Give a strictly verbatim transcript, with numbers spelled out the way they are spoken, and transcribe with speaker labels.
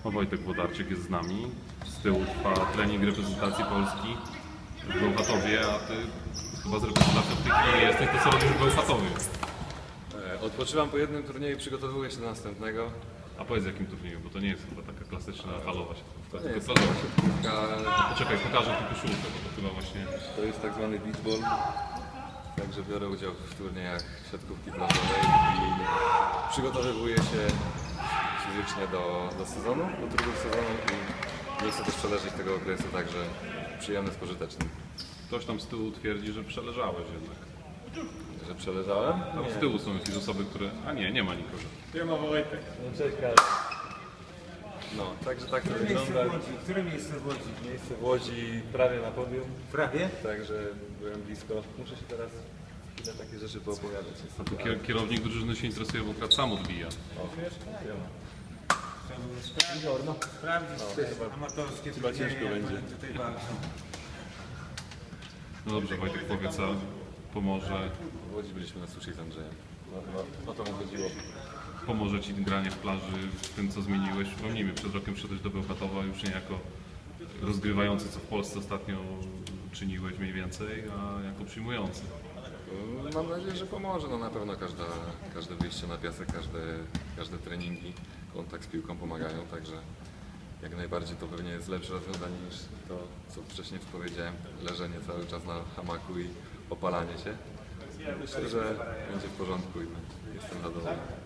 Speaker 1: No, Wojtek Włodarczyk jest z nami. Z tyłu trwa trening reprezentacji Polski w Bełchatowie, a ty chyba z reprezentacją w tej chwili nie jesteś, to co robisz w Bełchatowie?
Speaker 2: Odpoczywam po jednym turnieju i przygotowuję się do następnego.
Speaker 1: A powiedz jakim turnieju, bo to nie jest chyba taka klasyczna halowa siatkówka,
Speaker 2: To
Speaker 1: tylko
Speaker 2: jest
Speaker 1: plażowa.
Speaker 2: siatkówka,
Speaker 1: Poczekaj, pokażę tylko koszulkę, bo to chyba właśnie...
Speaker 2: to jest tak zwany beach ball. Także biorę udział w turniejach siatkówki plażowej i przygotowywuję się fizycznie do, do sezonu, do drugiego sezonu i nie chcę też przeleżeć tego okresu, także przyjemny z pożytecznym.
Speaker 1: Ktoś tam z tyłu twierdzi, że przeleżałeś jednak.
Speaker 2: Że przeleżałem?
Speaker 1: Tam z tyłu są jakieś osoby, które... A nie, nie ma nikogo.
Speaker 3: Nie ma Wojtek.
Speaker 2: No cześć Karol. No, także tak to wygląda.
Speaker 3: Które miejsce w Łodzi?
Speaker 2: Miejsce w Łodzi prawie na podium,
Speaker 3: Prawie?
Speaker 2: także byłem blisko. Muszę się teraz chwilę takie rzeczy poopowiadać.
Speaker 1: A tu kier kierownik drużyny się interesuje, bo akurat sam odbija.
Speaker 3: Chciałbym sprawdzić te amatorskie
Speaker 2: Chyba
Speaker 3: turnieje,
Speaker 2: ciężko
Speaker 3: jak
Speaker 2: będzie.
Speaker 3: oni tutaj walczą.
Speaker 1: No dobrze, Wojtek, powiedz, a pomoże,
Speaker 2: W Łodzi byliśmy na sushi z Andrzejem. No, no, o to mu chodziło.
Speaker 1: pomoże Ci granie w plaży w tym, co zmieniłeś? Przypomnijmy, przed rokiem przyszedłeś do Bełchatowa już nie jako rozgrywający, co w Polsce ostatnio czyniłeś mniej więcej, a jako przyjmujący.
Speaker 2: Mam nadzieję, że pomoże. No na pewno każda, każde wyjście na piasek, każde, każde treningi, kontakt z piłką pomagają, także jak najbardziej to pewnie jest lepsze rozwiązanie niż to, co wcześniej powiedziałem, leżenie cały czas na hamaku i opalanie się. Myślę, że będzie w porządku i jestem zadowolony.